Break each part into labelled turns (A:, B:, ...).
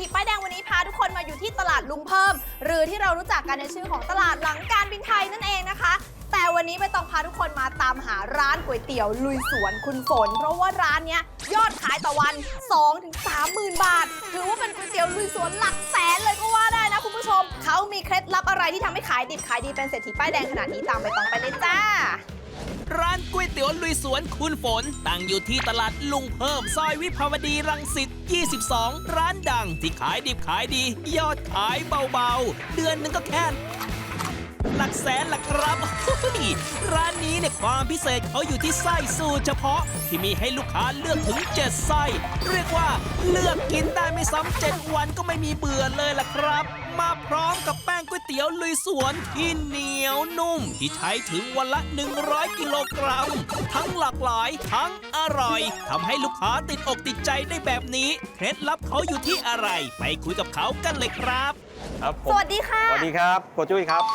A: ถีป้ายแดงวันนี้พาทุกคนมาอยู่ที่ตลาดลุงเพิ่มหรือที่เรารู้จักกันในชื่อของตลาดหลังการบินไทยนั่นเองนะคะแต่วันนี้ไม่ต้องพาทุกคนมาตามหาร้านก๋วยเตี๋ยวลุยสวนคุณฝนเพราะว่าร้านนี้ยอดขายต่อวัน 2-30,000 บาทถือว่าเป็นก๋วยเตี๋ยวลุยสวนหลักแสนเลยก็ว่าได้นะคุณผู้ชมเขามีเคล็ดลับอะไรที่ทำให้ขายดิบขายดีเป็นเศรษฐีป้ายแดงขนาดนี้ตามไปต้องไปเลยจ้า
B: ร้านก๋วยเตี๋ยวลุยสวนคุณฝนตั้งอยู่ที่ตลาดลุงเพิ่มซอยวิภาวดีรังสิต 22 ร้านดังที่ขายดิบขายดียอดขายเบาๆเดือนหนึงก็แค่หลักแสนล่ะครับร้านนี้เนี่ยความพิเศษเขาอยู่ที่ไส้สูตรเฉพาะที่มีให้ลูกค้าเลือกถึง7ไส้เรียกว่าเลือกกินได้ไม่ซ้ำ7วันก็ไม่มีเบื่อเลยล่ะครับมาพร้อมกับแป้งก๋วยเตี๋ยวลุยสวนที่เหนียวนุ่มที่ใช้ถึงวันละ100กิโลกรัมทั้งหลากหลายทั้งอร่อยทำให้ลูกค้าติดอกติดใจได้แบบนี้เคล็ดลับเขาอยู่ที่อะไรไปคุยกับเขากันเลยครับ
C: ครับผม
A: สวัสดีค่ะ
C: สวัสดีครับโกจุ้ยครับ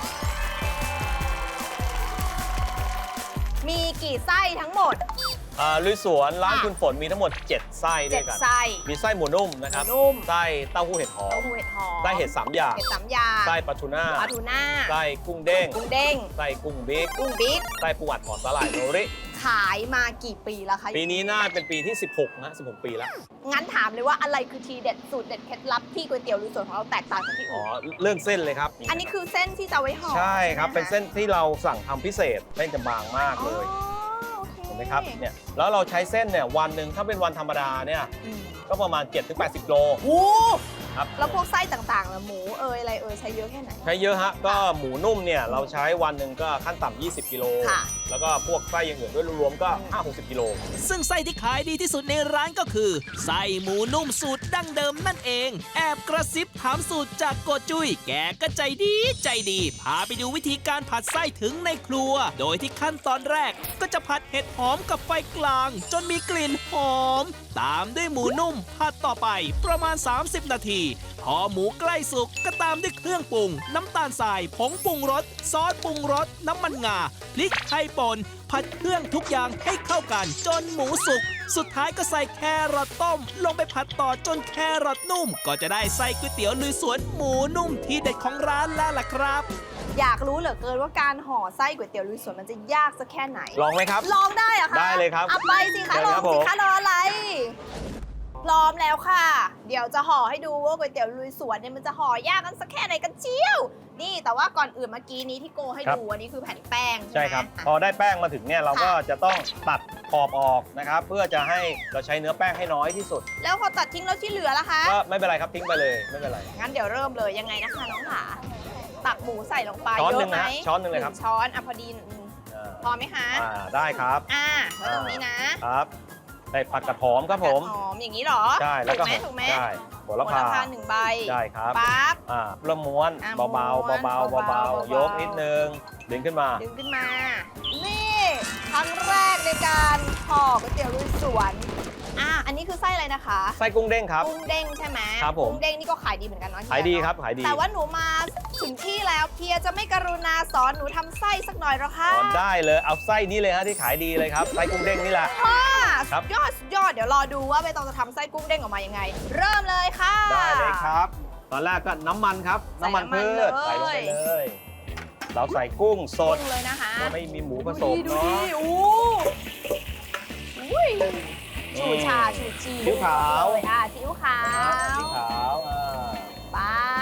A: มีกี่ไส้ทั้งหมด
C: ลุยสวนร้านคุณฝนมีทั้งหมด7ไส้ด้วยกัน
A: 7ไส้
C: มีไส้หมูนุ่มนะครับ
A: หมูนุ่ม
C: ไส้เต้าหู้เห็ดหอมไส้เห็ด3อย่างไส้ปลาทูน่าไส้กุ้งเด้งไส้กุ้งบิ๊กไส้ปูอัดหอมสาหร่ายโนริ
A: ขายมากี่ปีแล้วคะ
C: ปีนี้น่าเป็นปีที่16นะ16ปีแล้ว
A: งั้นถามเลยว่าอะไรคือทีเด็ดสูตรเด็ดเคล็ดลับที่ก๋วยเตี๋ยวลุยสวนของเราแตกต่างจากที่อื่น
C: เรื่องเส้นเลยครับ
A: อันนี้คือเส้นที่จะไว้ห่อ
C: ใช่ครับเป็นเส้นที่เราสั่งทำพิเศษเส้นจะบางมากเลยเห็นไหมครับเนี่ยแล้วเราใช้เส้นเนี่ยวันหนึ่งถ้าเป็นวันธรรมดาเนี่ยก็ประมาณ 7-80 โล
A: โอ้
C: ครับ
A: แล้วพวกไส้ต่างๆล่ะหมูอะไรใช้เยอะแค่ไหน
C: ใช้เยอะฮะก็หมูนุ่มเนี่ยเราใช้วันหนึ่งก็ขั้นต่ำ20 กิโลแล้วก็พวกไส้อย่างอื่นด้วยรวมๆก็ 50-60 กิโล
B: ซึ่งไส้ที่ขายดีที่สุดในร้านก็คือไส้หมูนุ่มสูตรดั้งเดิมนั่นเองแอบกระซิบถามสูตรจากโกจุ้ยแกก็ใจดีพาไปดูวิธีการผัดไส้ถึงในครัวโดยที่ขั้นตอนแรกก็จะผัดเห็ดหอมกับไฟกลางจนมีกลิ่นหอมตามด้วยหมูนุ่มผัดต่อไปประมาณ30 นาทีพอหมูใกล้สุกก็ตามด้วยเครื่องปรุงน้ำตาลทรายผงปรุงรสซอสปรุงรสน้ำมันงาพริกไทยป่นผัดเครื่องทุกอย่างให้เข้ากันจนหมูสุกสุดท้ายก็ใส่แครอทต้มลงไปผัดต่อจนแครอทนุ่มก็จะได้ไส้ก๋วยเตี๋ยวลุยสวนหมูนุ่มที่เด็ดของร้านแล้วล่ะครับ
A: อยากรู้เหลือเกินว่าการห่อไส้ก๋วยเตี๋ยวลุยสวนมันจะยากสักแค่ไหน
C: ลองไหมครับ
A: ลองได้เหรอคะ
C: ได้เลยครับ
A: เอาไปสิคะลองสิคะรออะไรพร้อมแล้วค่ะเดี๋ยวจะห่อให้ดูว่าก๋วยเตี๋ยวลุยสวนเนี่ยมันจะห่อยากกันสักแค่ไหนกันเชียวนี่แต่ว่าก่อนอื่นเมื่อกี้นี้ที่โกให้ดูอันนี้คือแผ่นแป้ง
C: ใช่ครับพอได้แป้งมาถึงเนี่ยเราก็จะต้องตัดขอบออกนะครับเพื่อจะให้เราใช้เนื้อแป้งให้น้อยที่สุด
A: แล้วพอตัดทิ้งแล้วที่เหลือล่ะคะ
C: ก็ไม่เป็นไรครับทิ้งไปเลยไม่เป็นไร
A: งั้นเดี๋ยวเริ่มเลยยังไงนะคะน้องขาตักหมูใส่ลงไป
C: ช้อนหนึ่งนะช้อนหนึ่งเลยครับ
A: ช้อนพอดีพอไหมคะ
C: ได้ครับ
A: แล้วตรงนี้นะครับ
C: ได้ผัดกระหอมครับผม
A: หอมอย่างนี้หรอ
C: ใช่แล้วก็
A: ถูกไหม
C: ใช่โหระพา
A: 1 ใบ
C: ใช่ครับ
A: ปั๊บ
C: เริ่มม้วนเบาๆยกนิดนึงดึงขึ้นมา
A: นี่ครั้งแรกในการห่อก๋วยเตี๋ยวลุยสวนอันนี้คือไส้อะไรนะคะ
C: ไส้กุ้งเด้งครับ
A: กุ้งเด้งใช่ไหม
C: ครับผม
A: กุ้งเด้งนี่ก็ขายดีเหมือนกันเนาะ
C: ขายดีครับขายดี
A: แต่ว่าหนูมาถึงที่แล้วเพียจะไม่กรุณาสอนหนูทำไส้สักหน่อยหรอคะ
C: ได้เลยเอาไส้นี้เลยฮะที่ขายดีเลยครับไส้กุ้งเด้งนี่แหละ
A: ครับยอดเดี๋ยวรอดูว่าใบตองจะทำไส้กุ้งเด้งออกมายังไงเริ่มเลยค่ะ
C: ได้เลยครับตอนแรกก็น้ำมันครับน้ำมันพืชใส่ลงไปเลยเราใส่กุ้งสด
A: เลยนะคะ
C: ไม่มีหมูผสมเนาะ
A: ชูชาชูจี
C: ซีอิ๊วขาว
A: ซีอิ๊วขาวไป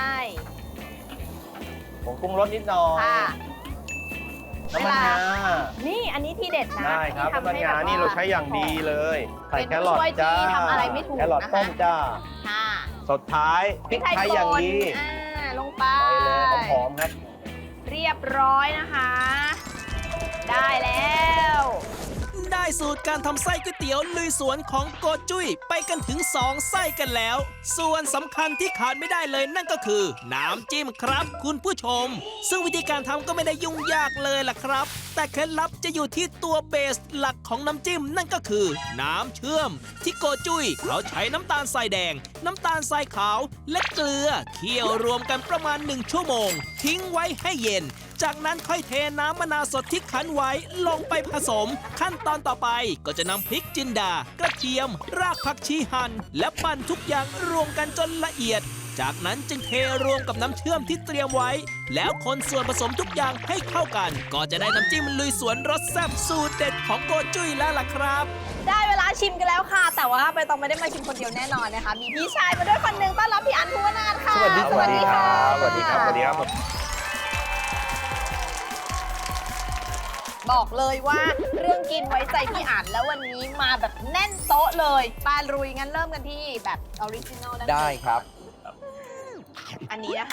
C: ผงปรุงรสนิดหน่อยน้ำมันงา
A: นี่อันนี้ที่เด็ดนะ
C: ได้ครับน้ำมันงานี่เราใช้อย่างดีเลยใส่แครอทจ้า
A: ทำอะไรไม่ถูก
C: แครอทต้มจ้าสุดท้ายพริกไทยอย่างดี
A: ลงไป
C: เลยหอมๆครับ
A: เรียบร้อยนะคะได้แล้ว
B: ได้สูตรการทำไส้ก๋วยเตี๋ยวลุยสวนของโกจุ้ยไปกันถึง2ไส้กันแล้วส่วนสำคัญที่ขาดไม่ได้เลยนั่นก็คือน้ำจิ้มครับคุณผู้ชมซึ่งวิธีการทำก็ไม่ได้ยุ่งยากเลยล่ะครับแต่เคล็ดลับจะอยู่ที่ตัวเบสหลักของน้ำจิ้มนั่นก็คือน้ำเชื่อมที่โกจุ้ยเขาใช้น้ำตาลทรายแดงน้ำตาลทรายขาวและเกลือเคี่ยวรวมกันประมาณ1 ชั่วโมงทิ้งไว้ให้เย็นจากนั้นค่อยเทน้ำมะนาวสดที่คั้นไว้ลงไปผสม ขั้นตอนต่อไปก็จะนำพริกจินดากระเทียม รากผักชีหั่นและปั่นทุกอย่างรวมกันจนละเอียด จากนั้นจึงเทรวมกับน้ำเชื่อมที่เตรียมไว้ แล้วคนส่วนผสมทุกอย่างให้เข้ากัน ก็จะได้น้ำจิ้มลุยสวนรสแซ่บสูตรเด็ดของโกจุ้ยแล้วล่ะครับ
A: ได้เวลาชิมกันแล้วค่ะ แต่ว่าใบตองไม่ได้มาชิมคนเดียวแน่นอนนะคะ มีพี่ชายมาด้วยคนหนึ่งต้อนรับพี่อันภูวนาถค่ะ
C: สวัสดีครับ
A: สวัสดีค่ะ
C: สวัสดีครับสวัสดีครับ
A: บอกเลยว่าเรื่องกินไว้ใจพี่อันแล้ววันนี้มาแบบแน่นโต๊ะเลยปลาลุยงั้นเริ่มกันที่แบบออริจินอล
D: ได้ครับ
A: อันนี้นะคะ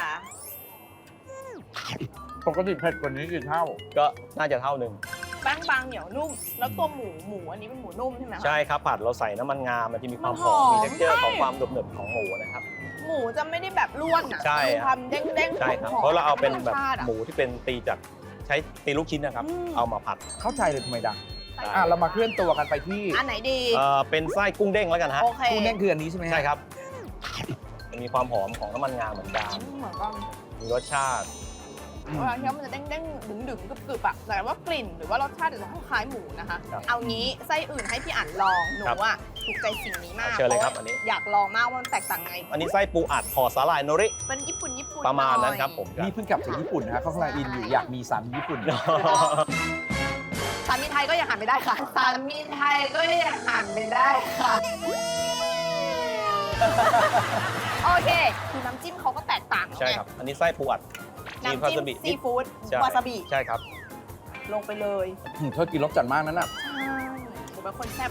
D: ปกติเผ็ดกว่านี้กี่เท่า
C: ก็น่าจะเท่าหนึ่ง
A: แป้งบางเหนียวนุ่ม แล้วตัวหมูอันนี้เป็นหมูนุ่มใช่ไหมคะ
C: ใช่ครับผัดเราใส่น้ำมันงา มันจะมีความ
A: มัน
C: ห
A: ห
C: อ
A: อ
C: ม
A: ม
C: มี texture
A: ใช่
C: ของความหนึบๆของหมูนะครับ
A: หมูจะไม่ได้แบบร่วนอ่ะ
C: ใช่
A: มี
C: ครับ
A: ความเด้งๆ
C: ใช่ครับ
A: หอมๆ
C: เพราะเราเอาเป็นแบบ
A: รสชาติอะ
C: หมูที่เป็นตีจากใช้ตีลูกชิ้นนะครับ
A: อืม
C: เอามาผัด
D: เข้าใจเลยทำไมดัง
A: ใส่
D: เรามาเคลื่อนตัวกันไปที่
A: อันไหนดี
C: เป็นไส้กุ้งเด้งแล้วกันฮะ
A: โอเค
D: กุ้งเด้งคืออันนี้ใช่ไหมฮะ
C: ใช่ครับมีความหอมของน้ำมันงาเหมือนกัน
A: เหมือนกัน
C: มีรสชาติ
A: เวลาเคี้ยวมันจะเด้งๆดึงๆกรึบๆอ่ะแต่ว่ากลิ่นหรือว่ารสชาติจะคล้ายๆหมูนะคะ
C: ครับ
A: เอางี้ไส้อื่นให้พี่อั๋นลองหนู
C: ครับ
A: อ่ะถูกใจสิ่งนี้มาก
C: เชิญเลยครับ
A: พาะว่า
C: อันนี้
A: อยากลองมากว่ามันแตกต่างไง
C: อันนี้ไส้ปูอัดห่อสาหร่ายโนริ
A: เป็นญี่ปุ่นญี่ปุ่น
C: ประมาณนั้น
A: หอย
C: ครับผม
D: นี่เพิ่งกลับจากญี่ปุ่นนะฮะเขากำลังอินอยู่อยากมีสามีญี่ปุ่น
A: สามีไทยก็ยังหันไม่ได้ค่ะสามีไทยก็ยังหันไม่ได้ค่ะ โอเคคือน้ำจิ้มเขาก็แตกต่าง
C: ใช่ครับ อันนี้ไส้ปูอัด
A: น้ำจิ้มซีฟู้ด
C: ใช่
A: วาซาบิ
C: ใช่ครับ
A: ลงไปเลย
D: เธอกินรสจัดมากนั้นน่ะ
A: ใช่หนูเป็นคนแซ่บ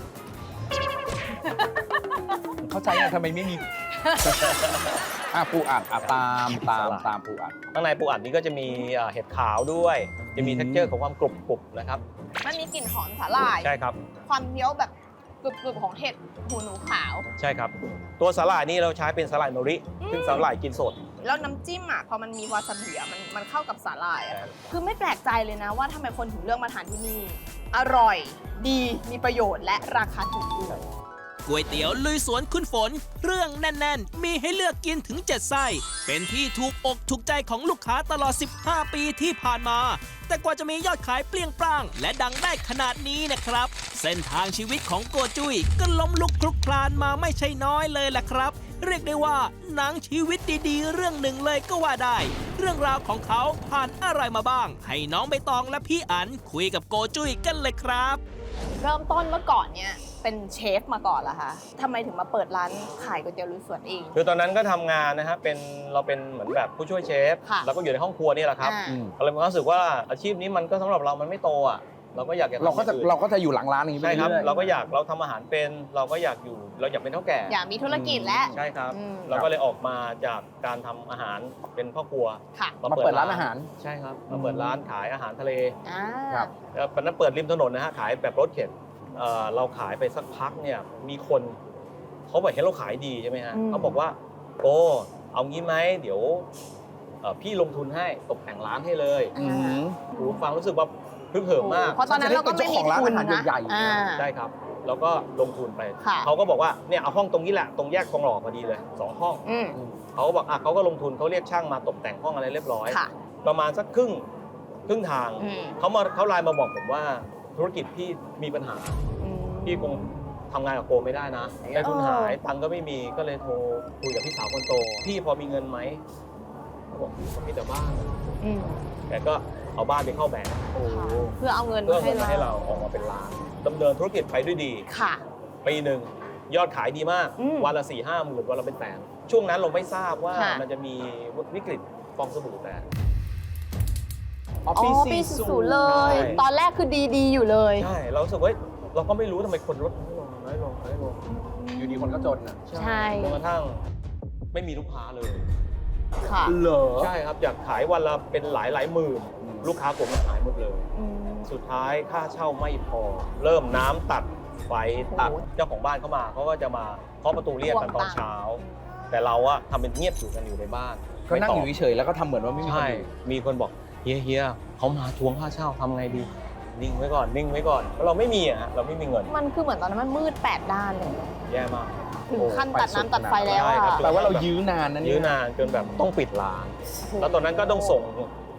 D: เข้าใจนะทำไมไม่มี ปูอัดตามปูอัด
C: ข้างในปูอัดนี้ก็จะมีเห็ดขาวด้วย จะมี texture ของความกรุบๆนะครับ
A: มันมีกลิ่นหอมสาหร่าย
C: ใช่ครับ
A: ความเคี้ยวแบบกรึบๆของเห็ดหูหนูขาว
C: ใช่ครับ ตัวสาหร่ายนี่เราใช้เป็นสาหร่ายโนริ ซึ่งสาหร่ายกินสด
A: แล้วน้ำจิ้มอ่ะพอมันมีวาซาบิอ่ะมันเข้ากับสาหร่ายอ่ะคือไม่แปลกใจเลยนะว่าทำไมคนถึงเลือกมาทานที่นี่ อร่อย ดีมีประโยชน์และราคาถูกด้วย
B: ก๋วยเตี๋ยวลุยสวนคุณฝนเครื่องแน่น ๆ มีให้เลือกกินถึง 7 ไส้ เป็นที่ถูกอกถูกใจของลูกค้าตลอด 15 ปีที่ผ่านมา แต่กว่าจะมียอดขายเปรี้ยงปร้าง และดังได้ขนาดนี้นะครับ เส้นทางชีวิตของโกจุ้ยก็ล้มลุกคลุกคลานมาไม่ใช่น้อยเลยล่ะครับ เรียกได้ว่าหนังชีวิตดีๆ เรื่องหนึ่งเลยก็ว่าได้ เรื่องราวของเขาผ่านอะไรมาบ้าง ให้น้องใบตองและพี่อั๋นคุยกับโกจุ้ยกันเลยครับ
A: เริ่มต้นเมื่อก่อนเนี่ยเป็นเชฟมาก่อนเหรอคะทำไมถึงมาเปิดร้านขายก๋วยเตี๋ยวลุยสวนเอง
C: คือตอนนั้นก็ทำงานนะฮะเราเป็นเหมือนแบบผู้ช่วยเชฟ
A: ค่ะ
C: แล้วก็อยู่ในห้องครัวนี่แหละครับ
A: อ่า
C: ก็เลยมีความรู้สึกว่าอาชีพนี้มันก็สำหรับเรามันไม่โตอ่ะ เราก็อยากจะทำ
D: เราก็จะ
C: อย่งอื่น
D: เราก็จะอยู่หลังร้านอย่างนี้ไป
C: ใช่ครับ
D: เรื่อยๆ
C: เราทำอาหารเป็น เราก็อยากเป็นเท่าแก่
A: อยากมีธุรกิจและ
C: ใช่ครับ
A: อืม
C: เราก็เลยออกมาจากการทำอาหารเป็นพ่อครัว
A: ค่ะ
D: มาเปิดร้านอาหาร
C: ใช่ครับมาเปิดร้านขายอาหารทะเล
A: อ่า
D: ครับ
C: แล้วตอนนั้นเปิดริมถนนนะฮะขายแบบรถเข็นเราขายไปสักพักเนี่ยมีคนเขาบอกเห็นเราขายดีใช่ไหมฮะเขาบอกว่าโอ้เอางี้ไหมเดี๋ยวพี่ลงทุนให้ตกแต่งร้านให้เลย
D: อืม
C: โอ้ฟังรู้สึกว่าพึกเหิมมาก
A: เพราะตอนนั้นเราก็ไม่มี
D: จะได้เป็นเจ้าของร้าน
A: ทุน
D: อาหาร
A: นะ
D: ใหญ่ๆ
A: อ่า
C: ใช่ครับแล้วก็ลงทุนไป
A: ค่ะ
C: เขาก็บอกว่าเนี่ยเอาห้องตรงนี้แหละตรงแยกทองหล่อพอดีเลย2 ห้อง
A: อืม
C: เขาก็บอกเขาก็ลงทุนเขาเรียกช่างมาตกแต่งห้องอะไรเรียบร้อย
A: ค่ะ
C: ประมาณสักครึ่งทาง
A: อืม
C: เขาไลน์มาบอกผมว่าธุรกิจพี่มีปัญหา
A: อืม
C: พี่คงทำงานกับโกไม่ได้นะได้ทุนหายตังค์ก็ไม่มีก็เลยโทรคุยกับพี่สาวคนโต พี่พอมีเงินไหมเขาบอกผมมีแต่บ้าน
A: อืม
C: แต่ก็เอาบ้านไปเข้าแบงก์
A: เพื่อเอาเงิน
C: เพื่อ
A: มา
C: เงินมาให้
A: ให้
C: เรา
A: เรา
C: ออกมาเป็นล้านดำเนินธุรกิจไปด้วยดี
A: ค่ะ
C: ปีหนึ่งยอดขายดีมาก
A: อืม
C: วันละ4-5 หมื่นวันละเป็นแสนช่วงนั้นเราไม่ทราบว่า
A: ค่ะ
C: มันจะมีวิกฤตฟองสบู่แตก
A: อ๋อปี40เลย
C: ใช่
A: ตอนแรกคือดีๆอยู่เลย
C: ใช่เรารู้สึกว่าเราก็ไม่รู้ทำไมคนลดน้อยลง
D: อยู่ดีคนก็จนอ่ะ
A: ใช่
C: จนกระทั่งไม่มีลูกค้าเลย
A: ค่ะ
D: เหรอ
C: ใช่ครับจากขายวันละเป็นหลายหมื่น
D: อืม
C: ลูกค้าผมหายหมดเลย
A: อืม
C: สุดท้ายค่าเช่าไม่พอ เริ่มน้ำตัดไฟตัด
A: โอ้โห
C: เจ้าของบ้านเข้ามาเขาก็จะมาเคาะประตูเรียกกันตอนเช้า แต่เราอะทำเป็นเงียบอยู่กันอยู่ในบ้าน
D: ก็นั่งอยู่
C: ไม่ต
D: เฉยๆแล้วก็ทำเหมือนว่าไม่มี
C: บ
D: คน
C: ใช่
D: อยู่
C: มีคนบอกเฮียเขามาทวงค่าเช่าทำไงดีนิ่งไว้ก่อนเพราะเราไม่มีอะฮะเราไม่มีเงิน
A: มันคือเหมือนตอนนั้นมันมืด8 ด้านเลย
C: แย่มาก
A: ถึงขั้นตัดน้ำตัดไฟแล้ว
C: ใช่
A: อะ
C: ครับ
D: แปลว่าเรายื้อนานนะเนี่ย
C: ยื้อนานจนแบบต้องปิดร้าน แล้วตอนนั้นก็ต้องส่ง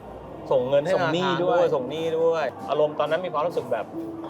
C: ส่งเงินให้
D: ส่งหนี้
C: ธาคาร
D: ด้วย
C: ส่งหนี้ด้วย อารมณ์ตอนนั้นมีความรู้สึกแบบ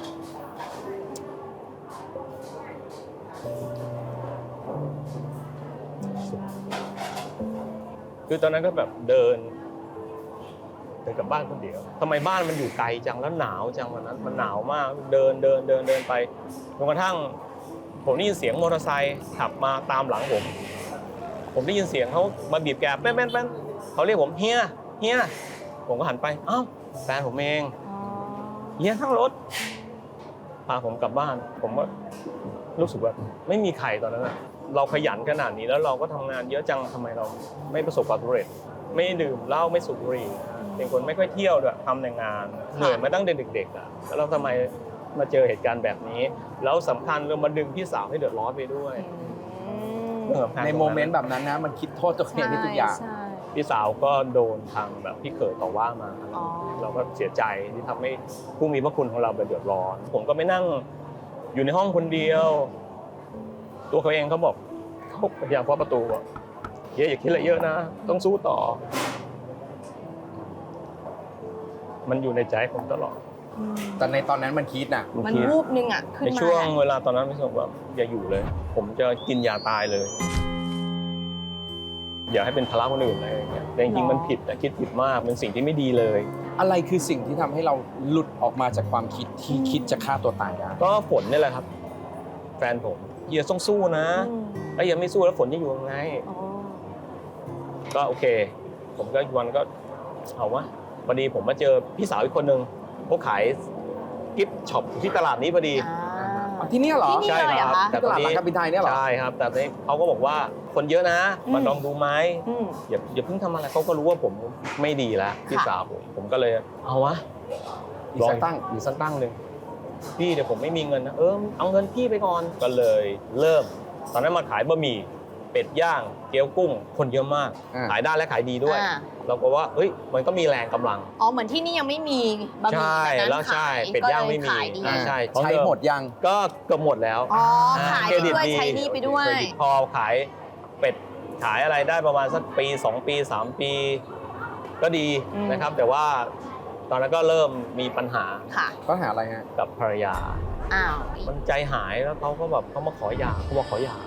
C: คือตอนนั้นก็แบบเดินกลับบ้านคนเดียวทำไมบ้านมันอยู่ไกลจังแล้วหนาวจังวันนั้นมันหนาวมากเดินไปจนกระทั่งผมได้ยินเสียงมอเตอร์ไซค์ขับมาตามหลังผมได้ยินเสียงเขามาบีบแกแป้นเขาเรียกผมเฮียผมก็หันไปอ้าวแฟนผมเองเฮียทั้งรถพาผมกลับบ้านผมก็รู้สึกว่าไม่มีใครตอนนั้นนะเราขยันขนาดนี้แล้วเราก็ทำงานเยอะจังทำไมเราไม่ประสบความสำเร็จไม่ดื่มเหล้าไม่สูบบุหรี่เป็นคนไม่ค่อยเที่ยวด้วยทำแต่งานเหนื่อยมาตั้งแต่เด็กๆอ่ะแล้วเราทำไมมาเจอเหตุการณ์แบบนี้แล้วสำคัญเรามาดึงพี่สาวให้เดือดร้อนไปด้วย
D: ในโมเมนต์แบบนั้นนะมันคิดโทษตัวเองที่ทุกอย่าง
A: ใช่
C: พี่สาวก็โดนทางแบบพี่เขยต่อว่ามา
A: อ๋อ
C: เราก็เสียใจที่ทำให้ผู้มีพระคุณของเราเดือดร้อน ผมก็ไม่นั่งอยู่ในห้องคนเดียว ตัวเขาเองเขาบอกเขาพยายามเคาะประตูบอกเฮียอย่าคิดอะไรเยอะนะต้องสู้ต่อ มันอยู่ในใจผมตลอด
D: แต่ในตอนนั้นมันคิดน่ะ
A: มัน
C: คิด
A: วูบนึงอ่ะขึ้น
C: ใน
A: มา
C: ช่วงเวลาตอนนั้นพี่สมว่าอย่าอยู่เลย ผมจะกินยาตายเลย อย่าให้เป็นภาระคนอื่นอะไรอย่างเงี้ยแต่จริงๆมันผิดนะคิดผิดมากเป็นสิ่งที่ไม่ดีเลย
D: อะไรคือสิ่งที่ทำให้เราหลุดออกมาจากความคิดที่คิดจะฆ่าตัวตายได้
C: ก็ฝนนี่แหละครับ แฟนผมเฮียต้องสู้นะถ้าเฮียไม่สู้แล้วฝนจะอยู่ยังไง
A: อ๋อ
C: ก็โอเค ผมก็วันก็เอาวะพอดีผมมาเจอพี่สาวอีกคนนึงเขาขายกิฟต์ช็อปที่ตลาดนี้พอดี
D: ที่นี่เหรอ
A: ที่นี่เลยเหรอคะ
C: แต่
D: ตลาดหลังการบินไทยเนี่ยเหรอ
C: ใช่ครับ แต่ตอนนี้เขาก็บอกว่าคนเยอะนะมาลองดูไหม
A: อืม
C: อย่าเพิ่งทำอะไรเขาก็รู้ว่าผมไม่ดีแล้วพี่สาวผมก็เลยเอาวะ
D: อีกสักตั้ง
C: อีกสักตั้งหนึ่งพี่เดี๋ยวผมไม่มีเงินนะเอาเงินพี่ไปก่อนก็เลยเริ่ม ตอนนั้นมาขายบะหมี่เป็ดย่างเกี๊ยวกุ้งคนเยอะมาก ขายได้และขายดีด้วย เราก็ว่าเฮ้ยมันก็มีแรงกำลัง
A: อ๋อเหมือนที่นี่ยังไม่มีบะหมี่
C: ใช่
A: แบบนั้น
C: แล้วใช่
A: ขาย
C: เป็ดย่างไม่มี
A: ก็เลยขายดี
C: ใช่
D: ใช้หมดยัง
C: ก็เกือบหมดแล้ว
A: อ๋อขาย
C: เคร
A: ไป
C: ดิต
A: ด้วยใช้หนี่ไปด้วย
C: เครดิตพอขายเป็ดขายอะไรได้ประมาณสักปี2 ปี 3 ปี ก็ดีนะครับ แต่ว่าตอนนั้นก็เริ่มมีปัญหา
A: ค่ะ
D: ก็หาอะไรฮะ
C: กับภรรยา
A: อ้าว
C: มันใจหายแล้วเขาก็แบบเขามาขอหย่าเขาบอกขอหย่า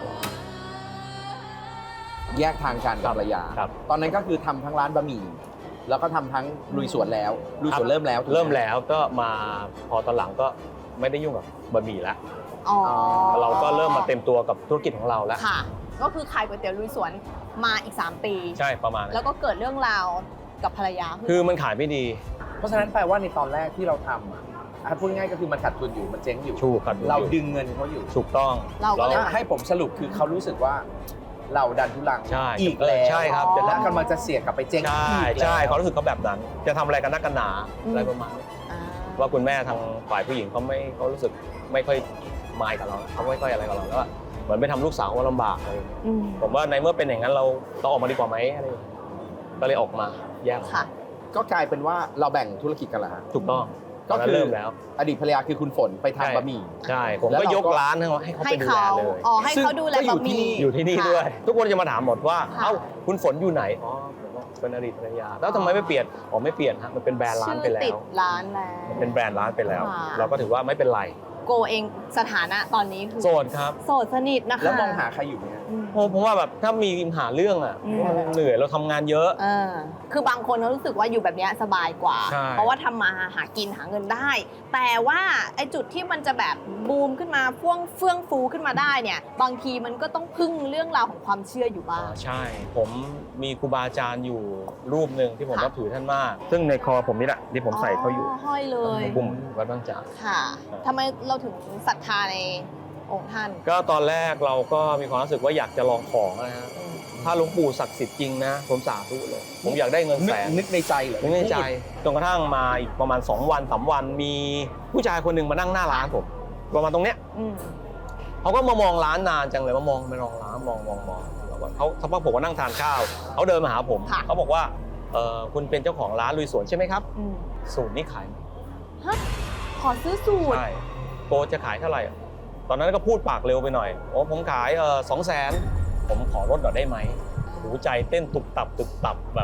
D: แยกทางกันกับภรรยา
C: ครับ
D: ตอนนั้นก็คือทำทั้งร้านบะหมี่แล้วก็ทำทั้งลุยสวนแล้วลุยสวนเริ่มแล้วถูกไห
C: เริ่มแล้วก็มาพอตอนหลังก็ไม่ได้ยุ่งกับบะหมี่แล้ว
A: อ๋อ
C: เราก็เริ่มมาเต็มตัวกับธุรกิจของเราแล้ว
A: ค่ะ ก็คือขายก๋วยเตี๋ยวลุยสวนมาอีก 3 ปี
C: ใช่ประมาณนั้น
A: แล้วก็เกิดเรื่องราวกับภรรยาขึ้น
C: คือมันขายไม่ดี
D: เพราะฉะนั้นแปลว่าในตอนแรกที่เราทำอ่ะพูดง่ายก็คือมันขาดทุนอยู่มันเจ๊งอยู่
C: ถูกครับ
D: เราดึงเงินเขาอยู่
C: ถูกต้อง
A: เราก็เลย
D: ถ้าให้ผมสรุปคือเขารู้สึกว่าเราดันทุลัง
C: ใช่
D: อีกแล้ว
C: ใช่ครับ
A: อ๋อ
D: และกำลังจะเสี่ยงกลับไปเจ๊ง
C: ใช่
D: อีกแล้ว
C: ใช่เขารู้สึกเขาแบบนั้น จะทำอะไรกันนักกันหนา
A: อืม
C: อะไรประมาณนี้
A: อ่า
C: ว่าคุณแม่ทางฝ่ายผู้หญิงเขารู้สึกไม่ค่อยมายกับเราเขาไม่ค่อยอะไรกับเราแล้วอะเหมือนไปทำลูกสาวเขาลำบากอะไรอย่างเงี้ย
A: อืม
C: ผมว่าในเมื่อเป็นอย่างนั้นเราออกมาดีกว่าไหมอะไรอย่างเงี้ยก็เลยออกมาแยก
A: ค่ะ
D: ก็กลายเป็นว่าเราแบ่งธุรกิจกันแล้วฮะ
C: ถูกต้อง
D: ก็
C: ตนนั้น
D: คือ
C: เริ่มแล้ว
D: อดีตภรรยาคือคุณฝนไปทำบะหมี่
C: ใช่ผม
D: แล้ว
C: ก็
D: เราก็
C: ยกร้านให้เขา
A: ให้
C: ไปดูแล
A: เขา
C: เลย
A: อ๋อให้เขาดูแล
D: ซึ่งก็อยู่
A: บะห
D: ที่
A: มี่
D: นี่
C: อยู่ที่นี่
A: ค่ะ
C: ด้วย ทุกคนจะมาถามหมดว่า
A: ค่ะ
C: เอ้าคุณฝนอยู่ไหนอ๋อผมบอกเป็นอดีตภรรยาแล้วทำไมไม่เปลี่ยนอ๋อไม่เปลี่ยนฮะมันเป็นแบรนด์ร้านไปแล้
A: ชื่อติ
C: ว
A: ดร้านแล้ว
C: มันเป็นแบรนด์ร้านไปแล้ว
A: ค่ะ
C: เราก็ถือว่าไม่เป็นไร
A: โกเองสถานะตอนนี้คือ
C: โสดครับ
A: โสดสนิทนะคะ
D: แล้วมองหาใครอยู่เนี่ย
A: อืม
C: ผมว่าแบบถ้ามีหาเรื่องอ่ะ
A: อืม
C: มันเหนื่อยเราทำงานเยอะ
A: เออคือบางคนเขารู้สึกว่าอยู่แบบเนี้ยสบายกว่า
C: ใช่
A: เพราะว่าทำมาหากินหาเงินได้ แต่ว่าไอ้จุดที่มันจะแบบบูมขึ้นมาเฟื่องฟูขึ้นมาได้เนี่ย บางทีมันก็ต้องพึ่งเรื่องราวของความเชื่ออยู่บ้าง
C: ใช่ ผมมีครูบาอาจารย์อยู่รูปหนึ่งที่ผม
A: ค่ะ
C: นับถือท่านมาก ซึ่งในคอผมนี่แหละที่ผมใส่เขาอยู่
A: ห้อยเลย
C: บุ่มวัดบางจาก
A: ค่ะทำไมเราถึงศรัทธาในองค์ท่าน
C: ก็ตอนแรกเราก็มีความรู้สึกว่าอยากจะลองของนะฮะถ้าหลวงปู่ศักดิ์สิทธิ์จริงนะผมสาธุเลย ผมอยากได้เงินแสน
D: นึกในใจเหรอ
C: นึกในใจจนกระทั่งมาอีกประมาณ2 วัน3 วันมีผู้ชายคนหนึ่งมานั่งหน้าร้านผมประมาณตรงเนี้ย
A: อืม
C: เขาก็มามองร้านนานจังเลยมามองร้านมองแล้วก็เขาสักพักผมก็นั่งทานข้าวเขาเดินมาหาผม
A: ค่ะ
C: เขาบอกว่าคุณเป็นเจ้าของร้านลุยสวนใช่ไหมครับ
A: อืม
C: สูตรนี้ขายไหม
A: ฮะขอซื้อสูตร
C: ใช่โกจะขายเท่าไหร่ตอนนั้นก็พูดปากเร็วไปหน่อยโอ้ผมขาย200,000ผมขอลดหน่อยได้ไหมหูใจเต้นตุบตับแบบ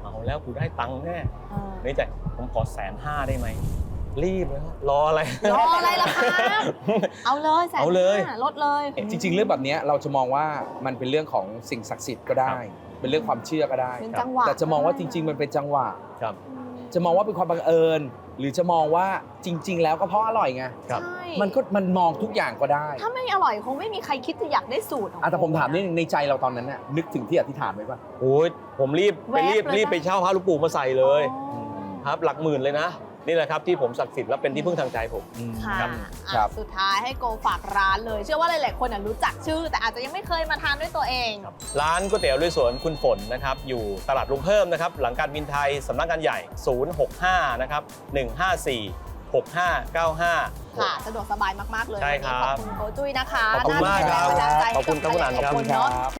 C: เอาแล้วกูได้ตังค์แน่
A: เออ
C: ในใจผมขอ150,000ได้ไหมรีบเลยครับรออะไร
A: รออะไรล่ะคะเอาเลย150,000
C: เอาเลย
A: ลดเลย
D: จริง ๆ เรื่องแบบเนี้ยเราจะมองว่ามันเป็นเรื่องของสิ่งศักดิ์สิทธิ์ก็ได้ เป็นเรื่องความเชื่อก็ได้
A: เป็นจังหวะ
D: แต่จะมองว่าจริง ๆ มันเป็นจังหวะ
C: ครับ
D: จะมองว่าเป็นความบังเอิญ หรือจะมองว่าจริง ๆ แล้วก็เพราะอร่อยไง
C: ครับ
A: ใช่
D: มันมองทุกอย่างก็ได้
A: ถ้าไม่อร่อยคงไม่มีใครคิดจะอยากได้สูตรของ
D: แต่ผมถามนิดนึงในใจเราตอนนั้นน่ะนึกถึงที่อธิษฐานไว้ป่ะ
C: โอ้ยผมรีบไปเช่าพระหลวงปู่มาใส่เลย
A: อ๋อ
C: ครับหลักหมื่นเลยนะ นี่แหละครับที่ผมศักดิ์สิทธิ์และเป็นที่พึ่งทางใจผม
A: ค่ะ
C: ครับ
A: อ่ะ
D: ครับ
A: สุดท้ายให้โกฝากร้านเลย เชื่อว่าหลาย ๆ คนรู้จักชื่อ แต่อาจจะยังไม่เคยมาทานด้วยตัวเอง
C: ร้านก๋วยเตี๋ยวลุยสวนคุณฝนนะครับอยู่ตลาดลุงเพิ่มนะครับหลังการบินไทยสำนักงานใหญ่ 065 นะครับ 154 6595
A: ค่ะ สะดวกสบายมาก ๆ เลย
C: ใช่ครับ
A: วันนี้ขอบคุณโกจุ้ยนะคะ
C: ขอบคุณมากครับ
A: น่าจะเป็นแรงบันดาลใจให้
C: ขอบคุณครับคุณอั๋นครับ
A: ขอบคุณเนาะ